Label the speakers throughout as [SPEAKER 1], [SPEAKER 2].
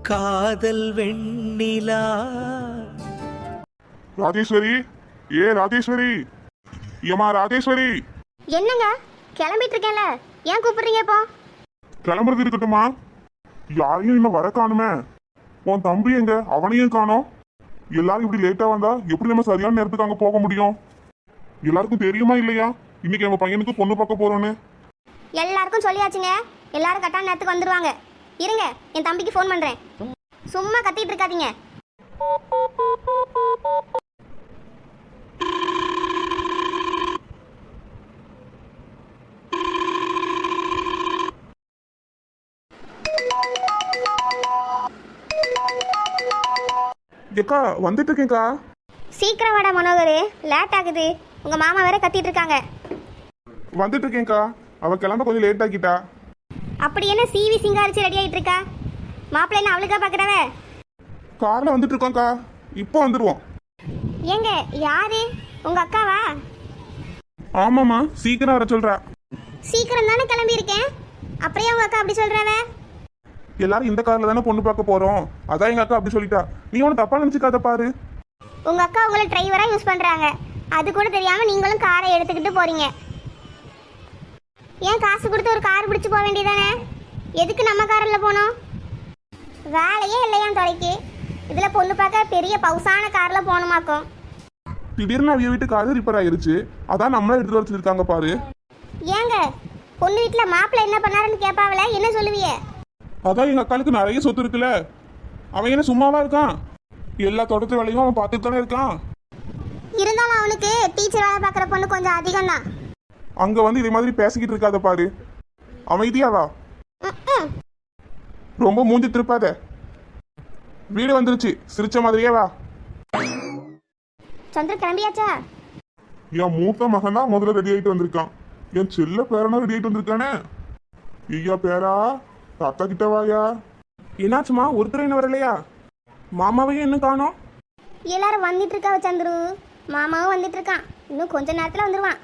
[SPEAKER 1] காதல் வெண்ணிலா.
[SPEAKER 2] ராஜேஸ்வரி, ராஜேஸ்வரி, ஏமா ராஜேஸ்வரி.
[SPEAKER 3] என்னங்க கிளம்பிட்டு இருக்கேன்ல, ஏன் கூப்பிடுறீங்க இப்போ?
[SPEAKER 2] கிளம்புறது இருக்கட்டுமா, யாரையும் இன்னும் வர காணுமே. உன் தம்பி எங்க? அவனையும் காணோம். எல்லாரும் இப்படி லேட்டா வந்தா எப்படி நம்ம சரியான நேரத்துக்கு அங்க போக முடியும்? எல்லாருக்கும் தெரியுமா இல்லையா இன்னைக்கு நம்ம பையனுக்கு பொண்ணு பார்க்க போறோன்னு?
[SPEAKER 3] எல்லாருக்கும் சொல்லியாச்சுங்க, எல்லாரும் கரெக்டான நேரத்துக்கு வந்துருவாங்க. இருங்க, என் தம்பிக்கு ஃபோன் பண்றேன். சும்மா கத்திட்டு இருக்காதீங்க.
[SPEAKER 2] ஏக்கா வந்துட்டு இருக்கேன்க்கா.
[SPEAKER 3] சீக்கிரம் வாடா மனோகர், லேட் ஆகுது. உங்க மாமா வேற கத்திட்டு இருக்காங்க.
[SPEAKER 2] வந்துட்டு இருக்கேன்க்கா. அவ கிளம்ப கொஞ்சம் லேட் ஆக்கிட்டா.
[SPEAKER 3] அப்படி என்ன சிவி சிங்காரிச்சு ரெடி ஆயிட்டு இருக்கா? மாப்பிள்ளை என்ன அவளுக்கா பாக்குறவ?
[SPEAKER 2] கார்ல வந்துட்டு இருக்கோம்க்கா, இப்போ வந்துடுவோம்.
[SPEAKER 3] ஏங்க யாரு? உங்க அக்காவா?
[SPEAKER 2] ஆமாம்மா, சீக்கிரம் வர சொல்றா.
[SPEAKER 3] சீக்கிரம் தானே கிளம்பி இருக்கேன், அப்படியே உங்க அக்கா அப்படி சொல்றவ?
[SPEAKER 2] எல்லாரும் இந்த கார்ல தானே பொண்ணு பார்க்க போறோம், அதான் எங்க அக்கா அப்படி சொல்லிட்டா. நீ ஒன்னும் தப்பா நினைச்சுக்காத பாரு.
[SPEAKER 3] உங்க அக்கா உங்களை டிரைவரா யூஸ் பண்றாங்க, அது கூட தெரியாம நீங்களும் காரை எடுத்துக்கிட்டு போறீங்க. ஏன் காசு கொடுத்து ஒரு கார் பிடிச்சு போக வேண்டியதானே? எதுக்கு நம்ம காரில் போனோம்? வேலையே இல்லையா தொலைக்கு? இதுல பொண்ணு பார்க்க பெரிய பவுசான கார்ல போகணுமாக்கும்.
[SPEAKER 2] திடீர்னு அவிய வீட்டு கார் ரிப்பேர் ஆயிருச்சு, அதான் நம்மள எடுத்து வர சொல்லிருக்காங்க பாரு.
[SPEAKER 3] ஏங்க பொண்ணு வீட்டுல மாப்பிள்ளை என்ன பண்ணாருன்னு கேட்பாவல, என்ன சொல்லுவிய?
[SPEAKER 2] அதான் எங்க அக்காளுக்கு நிறைய சொத்து இருக்குல்ல, அவன் என்ன சும்மாவா இருக்கான்? எல்லா தோட்டத்து வேலையும் அவன் பார்த்துட்டு தானே இருக்கான்.
[SPEAKER 3] இருந்தாலும் அவனுக்கு டீச்சர் வேலை பார்க்குற பொண்ணு கொஞ்சம் அதிகம் தான்.
[SPEAKER 2] அங்க வந்து இதே மாதிரி பேசிக்கிட்டு இருக்காத பாரு. அமைதியாவா, ரொம்ப மூஞ்சி திருப்பாத. வீடு வந்துருச்சு, சிரிச்ச மாதிரியே வா.
[SPEAKER 3] சந்திர கிளம்பியாச்சா?
[SPEAKER 2] என் மூத்த மகன் தான் முதல்ல ரெடி ஆயிட்டு வந்திருக்கான். என் செல்ல பேரனா ரெடி ஆயிட்டு வந்திருக்கானே. ஐயா பேரா, தாத்தா கிட்ட வாயா. என்னாச்சுமா, ஒருத்தர் என்ன வரலையா? மாமாவையும் என்ன காணோம்?
[SPEAKER 3] எல்லாரும் வந்துட்டு இருக்காவ சந்துரு. மாமாவும் வந்துட்டு இருக்கான், இன்னும் கொஞ்ச நேரத்துல வந்துருவான்.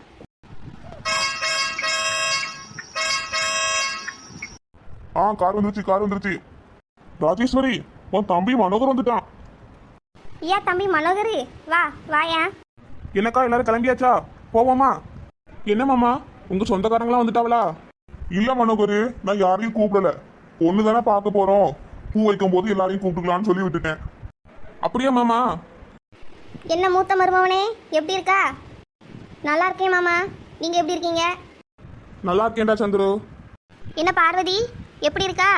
[SPEAKER 2] கார் வந்துருச்சு, கார் வந்துருச்சு. ராஜேஸ்வரி, உன் தம்பி மனோகர் வந்துட்டான்.
[SPEAKER 3] ஐயா தம்பி மனோகர், வா வாயா.
[SPEAKER 2] என்னக்கா எல்லாரும் கிளம்பியாச்சா? போவோமா? என்ன மாமா, உங்க சொந்தக்காரங்களாம் வந்துட்டாவளா? இல்ல மனோகர், நான் யாரையும் கூப்பிடல. பொண்ணு தானே பார்க்க போறோம், பூ வைக்கும் போது எல்லாரையும் கூப்பிட்டுக்கலாம்னு சொல்லி விட்டுட்டேன். அப்படியா மாமா?
[SPEAKER 3] என்ன மூத்த மருமவனே, எப்படி இருக்கா? நல்லா இருக்கேன் மாமா, நீங்க எப்படி இருக்கீங்க?
[SPEAKER 2] நல்லா இருக்கேன்டா சந்துரு.
[SPEAKER 3] என்ன பார்வதி, எப்படி இருக்கா?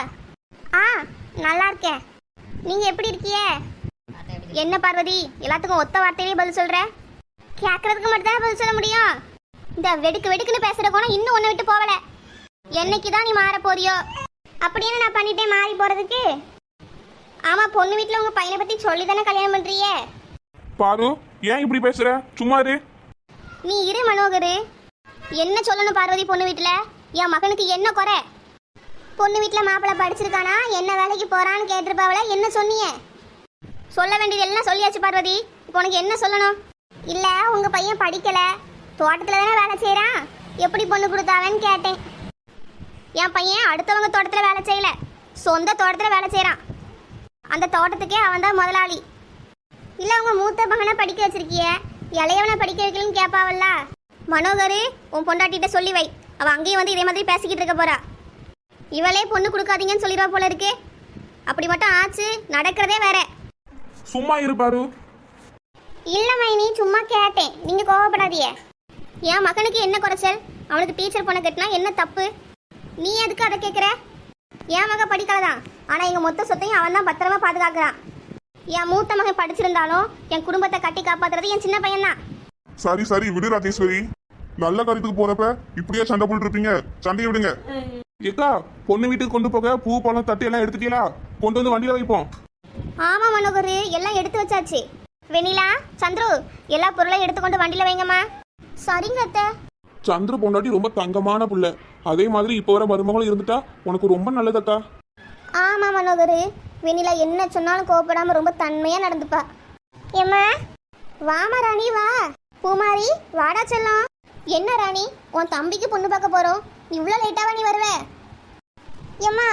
[SPEAKER 3] நல்லா இருக்கேன். நீங்க எப்படி இருக்கீங்க? என்ன பார்வதி, எல்லாத்துக்கும் ஒத்த வார்த்தையிலே பதில் சொல்ற? கேட்கறதுக்கு மட்டும் தான் பதில் சொல்ல முடியும். இந்த வெடுக்கு வெடுக்குன்னு பேசுற கோணம் இன்னும் ஒன்ன விட்டு போகல. என்னைக்குதான் நீ மாற போறியோ? அப்படி என்ன நான் பண்ணிட்டேன் மாறி போறதுக்கு? ஆமா, பொண்ணு வீட்டுல உங்க பையனை பத்தி சொல்லி தானே கல்யாணம் பண்றியே.
[SPEAKER 2] பாரு, ஏன் இப்படி பேசுற? சும்மா இரு.
[SPEAKER 3] நீ இரு மனோகர். என்ன சொல்லணும் பார்வதி? பொண்ணு வீட்டுல என் மகனுக்கு என்ன குறை? பொண்ணு வீட்டுல மாப்பிள்ளை படிச்சிருக்கானா, என்ன வேலைக்கு போறான்னு கேட்டிருப்பாவல, என்ன சொன்னீங்க? சொல்ல வேண்டியது எல்லாம் சொல்லியாச்சு பார்வதி. இப்போ உனக்கு என்ன சொல்லணும்? இல்ல உங்க பையன் படிக்கல, தோட்டத்துல தானே வேலை செய்யறான், எப்படி பொண்ணு கொடுத்தாவன்னு கேட்டேன். என் பையன் அடுத்தவங்க தோட்டத்துல வேலை செய்யல, சொந்த தோட்டத்துல வேலை செய்யறான். அந்த தோட்டத்துக்கே அவன் தான் முதலாளி. இல்ல உங்க மூத்த மகனை படிக்க வச்சிருக்கிய, இளையவனை படிக்க வைக்கலன்னு கேட்பாவல்ல. மனோகர், உன் பொண்டாட்டிட்ட சொல்லி வை, அவ அங்கேயும் வந்து இதே மாதிரி பேசிக்கிட்டு இருக்க போறா. இவளே பொண்ணு கொடுக்காதீங்கன்னு சொல்லிடுவா போல இருக்கு. அப்படி மட்டும் ஆச்சு, நடக்கிறதே வேற.
[SPEAKER 2] சும்மா இரு பாரு.
[SPEAKER 3] இல்ல மைனி, சும்மா கேட்டேன், நீங்க கோவப்படாதீங்க. என் மகனுக்கு என்ன குறைச்சல்? அவனுக்கு டீச்சர் பொண்ணை கட்டினா என்ன தப்பு? நீ எதுக்கு அதை கேட்குற? என் மகன் படிக்கலதான், ஆனா எங்க மொத்த சொத்தையும் அவன் தான் பத்திரமா பாதுகாக்கிறான். என் மூத்த மகன் படிச்சிருந்தாலும் என் குடும்பத்தை கட்டி காப்பாத்துறது என் சின்ன பையன் தான்.
[SPEAKER 2] சரி சரி விடு ராஜேஸ்வரி, நல்ல காரியத்துக்கு போறப்ப இப்படியே சண்டை போட்டு இருப்பீங்க, சண்டையை விடுங்க. ஏக்கா, பொண்ணு வீட்டுக்கு கொண்டு போக பூ பழம் தட்டு எல்லாம் எடுத்துட்டீங்களா? கொண்டு வந்து வண்டியில வைப்போம்.
[SPEAKER 3] ஆமா மனோகர், எல்லாம் எடுத்து வச்சாச்சு. வெண்ணிலா, சந்துரு, எல்லா பொருளையும் எடுத்துக்கொண்டு வண்டியில வைங்கம்மா. சரிங்க அத்தை.
[SPEAKER 2] சந்திர பொண்டாட்டி ரொம்ப தங்கமான புள்ள, அதே மாதிரி இப்போ வர மருமகளும் இருந்துட்டா உனக்கு ரொம்ப நல்லதக்கா.
[SPEAKER 3] ஆமா மனோகர், வெண்ணிலா என்ன சொன்னாலும் கோவப்படாம ரொம்ப தன்மையா நடந்துப்பா. ஏம்மா வாமா ராணி, வா. பூமாரி, வாடா செல்லம். என்ன ராணி, உன் தம்பிக்கு பொண்ணு பார்க்க போறோம், இவ்வளோ லேட்டாவா நீ வருவ? ஏம்மா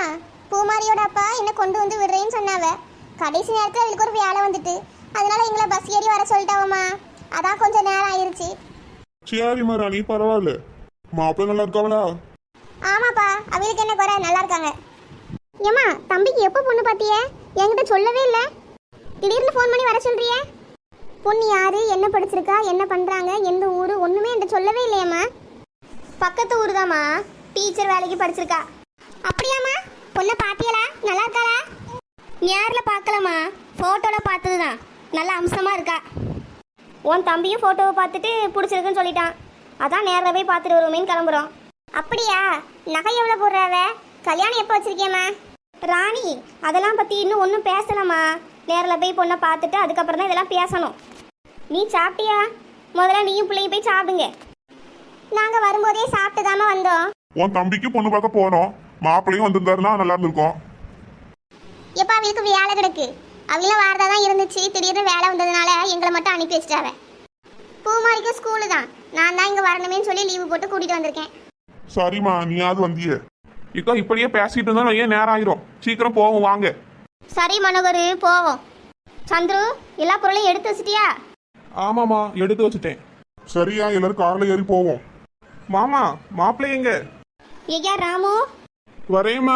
[SPEAKER 3] பூமாரியோட அப்பா என்ன கொண்டு வந்து விடுறேன்னு சொன்னாவ. கடைசி நேரத்தில் அவளுக்கு ஒரு வேலை வந்துட்டு, அதனால எங்களை பஸ் ஏறி வர சொல்லிட்டாவம்மா. அதான் கொஞ்சம் நேரம் ஆயிருச்சு.
[SPEAKER 2] சரிம்மா ராணி, பரவாயில்ல. மாப்பிள்ளை நல்லா இருக்காவளா?
[SPEAKER 3] ஆமாப்பா, அவளுக்கு என்ன குறை, நல்லா இருக்காங்க. ஏம்மா, தம்பிக்கு எப்போ பொண்ணு பார்த்திய? என்கிட்ட சொல்லவே இல்லை. திடீர்னு ஃபோன் பண்ணி வர சொல்றிய. பொண்ணு யாரு, என்ன படிச்சிருக்கா, என்ன பண்றாங்க, எந்த ஊரு, ஒண்ணுமே என்கிட்ட சொல்லவே இல்லையம்மா. பக்கத்து ஊர் தாம்மா, டீச்சர் வேலைக்கு படிச்சிருக்கா. அப்படியாம்மா? பொண்ணை பாத்தியலா? நல்லா இருக்காளா? நேரில் பார்க்கலாமா, ஃபோட்டோவில் பார்த்தது தான். நல்லா அம்சமாக இருக்கா. உன் தம்பியும் ஃபோட்டோவை பார்த்துட்டு பிடிச்சிருக்குன்னு சொல்லிட்டான். அதான் நேரில் போய் பார்த்துட்டு வருவோமேன்னு கிளம்புறோம். அப்படியா? நகை எவ்வளோ போடுறாவ? கல்யாணம் எப்போ வச்சிருக்கேம்மா? ராணி, அதெல்லாம் பற்றி இன்னும் ஒன்றும் பேசலாமா. நேரில் போய் பொண்ணை பார்த்துட்டு அதுக்கப்புறம் தான் இதெல்லாம் பேசணும். நீ சாப்பிட்டியா? முதல்ல நீயும் பிள்ளையும் போய் சாப்பிடுங்க. நாங்கள் வரும்போதே சாப்பிட்டு தாமா வந்தோம்.
[SPEAKER 2] உன் தம்பிக்கு பொண்ணு பார்க்க போனோம், மாப்பிள்ளையும் வந்திருந்தாருன்னா நல்லா இருந்திருக்கும்.
[SPEAKER 3] எப்போ அவளுக்கு வேலை கிடக்கு, அவளும் வாரதா தான் இருந்துச்சு. திடீர்னு வேலை வந்ததுனால எங்களை மட்டும் அனுப்பி வச்சிட்டாவ. பூமாரிக்கும் ஸ்கூலு தான். நான் தான் இங்கே வரணுமேன்னு சொல்லி லீவு போட்டு கூட்டிகிட்டு வந்திருக்கேன்.
[SPEAKER 2] சரிம்மா, நீயாவது வந்தியே. இக்கா இப்படியே பேசிட்டு இருந்தா ஏன் நேரம் ஆயிரும். சீக்கிரம் போவோம் வாங்க.
[SPEAKER 3] சரி மனோகர், போவோம். சந்துரு, எல்லா பொருளையும் எடுத்து வச்சிட்டியா?
[SPEAKER 4] ஆமாம்மா, எடுத்து வச்சுட்டேன்.
[SPEAKER 2] சரியா, எல்லாரும் கார்ல ஏறி போவோம்.
[SPEAKER 4] மாமா, மாப்பிள்ளை எங்க?
[SPEAKER 3] ஐயா ராமு.
[SPEAKER 4] வரேம்மா.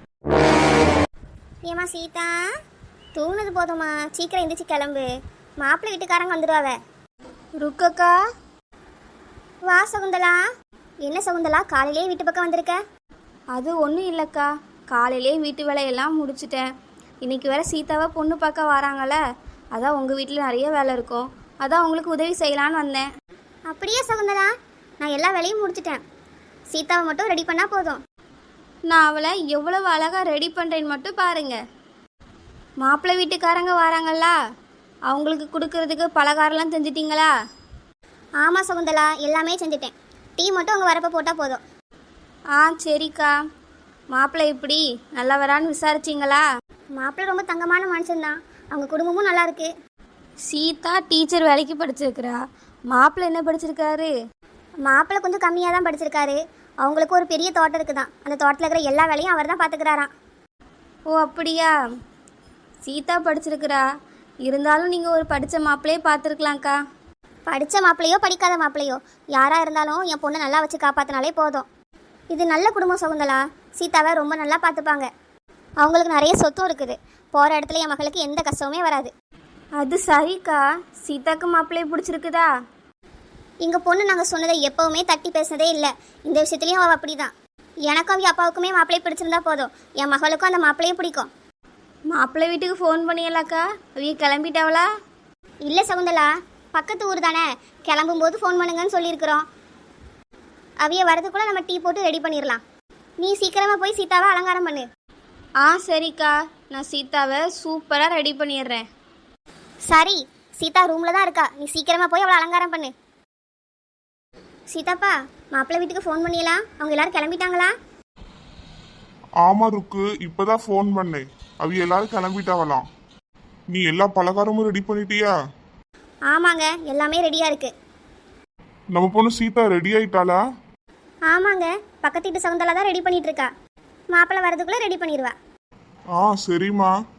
[SPEAKER 3] ஏமா சீதா, தூங்குனது போதுமா, சீக்கிரம் எந்திரிச்சு கிளம்பு. மாப்பிள்ளை வீட்டுக்காரங்க வந்துடுவாவ. ருக்கக்கா. வா சகுந்தலா. என்ன சகுந்தலா, காலையிலே வீட்டு பக்கம் வந்திருக்க?
[SPEAKER 5] அது ஒன்றும் இல்லைக்கா, காலையிலே வீட்டு வேலையெல்லாம் முடிச்சிட்டேன். இன்றைக்கி வேறு சீதாவை பொண்ணு பார்க்க வராங்கள, அதான் உங்கள் வீட்டில் நிறைய வேலை இருக்கும், அதான் உங்களுக்கு உதவி செய்யலான்னு வந்தேன்.
[SPEAKER 3] அப்படியே சகுந்தலா, நான் எல்லா வேலையும் முடிச்சிட்டேன். சீதாவை மட்டும் ரெடி பண்ணால் போதும்.
[SPEAKER 5] நான் அவளை எவ்வளவு அழகாக ரெடி பண்ணுறேன்னு மட்டும் பாருங்கள். மாப்பிள்ளை வீட்டுக்காரங்க வராங்களா, அவங்களுக்கு கொடுக்கறதுக்கு பலகாரம்லாம் செஞ்சிட்டிங்களா?
[SPEAKER 3] ஆமாம் சகுந்தலா, எல்லாமே செஞ்சுட்டேன். டீ மட்டும் அங்கே வரப்போ போட்டால் போதும்.
[SPEAKER 5] ஆ சரிக்கா. மாப்பிள்ளை இப்படி நல்லவரான்னு விசாரிச்சிங்களா?
[SPEAKER 3] மாப்பிள்ளை ரொம்ப தங்கமான மனுஷன்தான், அவங்க குடும்பமும் நல்லா இருக்கு.
[SPEAKER 5] சீதா டீச்சர் வேலைக்கு படிச்சிருக்கிறா, மாப்பிள்ளை என்ன படிச்சிருக்காரு?
[SPEAKER 3] மாப்பிள்ளை கொஞ்சம் கம்மியாக தான் படிச்சிருக்காரு. அவங்களுக்கு ஒரு பெரிய தோட்டம் இருக்குதான், அந்த தோட்டத்தில் இருக்கிற எல்லா வேலையும் அவர் தான் பார்த்துக்கிறாராம்.
[SPEAKER 5] ஓ அப்படியா? சீதா படிச்சிருக்கிறா, இருந்தாலும் நீங்கள் ஒரு படித்த மாப்பிள்ளையே பார்த்துருக்கலாம்க்கா.
[SPEAKER 3] படித்த மாப்பிள்ளையோ படிக்காத மாப்பிள்ளையோ யாராக இருந்தாலும் என் பொண்ணை நல்லா வச்சு காப்பாற்றினாலே போதும். இது நல்ல குடும்பம் சகுந்தலா. சீதாவை ரொம்ப நல்லா பார்த்துப்பாங்க. அவங்களுக்கு நிறைய சொத்தும் இருக்குது. போகிற இடத்துல என் மகளுக்கு எந்த கஷ்டமுமே வராது.
[SPEAKER 5] அது சரிக்கா. சீதாக்கு மாப்பிள்ளையை பிடிச்சிருக்குதா?
[SPEAKER 3] எங்கள் பொண்ணு நாங்கள் சொன்னதை எப்போவுமே தட்டி பேசுனதே இல்லை. இந்த விஷயத்துலையும் அவள் அப்படி தான். எனக்கும் அவங்க அப்பாவுக்குமே மாப்பிள்ளையை பிடிச்சிருந்தா போதும், என் மகளுக்கும் அந்த மாப்பிள்ளையும் பிடிக்கும்.
[SPEAKER 5] மாப்பிள்ளை வீட்டுக்கு ஃபோன் பண்ணியலாக்கா? அவங்க கிளம்பிட்டாவளா?
[SPEAKER 3] இல்லை சகுந்தலா, பக்கத்து ஊர் தானே, கிளம்பும்போது ஃபோன் பண்ணுங்கன்னு சொல்லியிருக்கிறோம். அவைய வரதுக்குள்ளே நம்ம டீ போட்டு ரெடி பண்ணிடலாம். நீ சீக்கிரமாக போய் சீதாவை அலங்காரம் பண்ணு.
[SPEAKER 5] ஆ சரிக்கா, நான் சீதாவை சூப்பராக ரெடி பண்ணிடுறேன்.
[SPEAKER 3] சரி, சீதா ரூமில் தான் இருக்கா, நீ சீக்கிரமாக போய் அவளை அலங்காரம் பண்ணு. சீதாப்பா, மாப்பிள்ளை வீட்டுக்கு ஃபோன் பண்ணிடலாம். அவங்க எல்லாரும் கிளம்பிட்டாங்களா?
[SPEAKER 2] ஆமா ருக்கு, இப்பதான் ஃபோன் பண்ணேன். அவ எல்லாரும் கிளம்பிட்டாவலாம். நீ எல்லா பலகாரமும் ரெடி பண்ணிட்டியா?
[SPEAKER 3] ஆமாங்க, எல்லாமே ரெடியாக இருக்கு.
[SPEAKER 2] நம்ம பொண்ணு சீதா ரெடி ஆயிட்டாளா?
[SPEAKER 3] ஆமாங்க, பக்கத்து வீட்டு சகுந்தலா தான் ரெடி பண்ணிட்டு இருக்கா. மாப்பிள்ளை வரதுக்குள்ளே ரெடி பண்ணிடுவா.
[SPEAKER 2] சரிம்மா.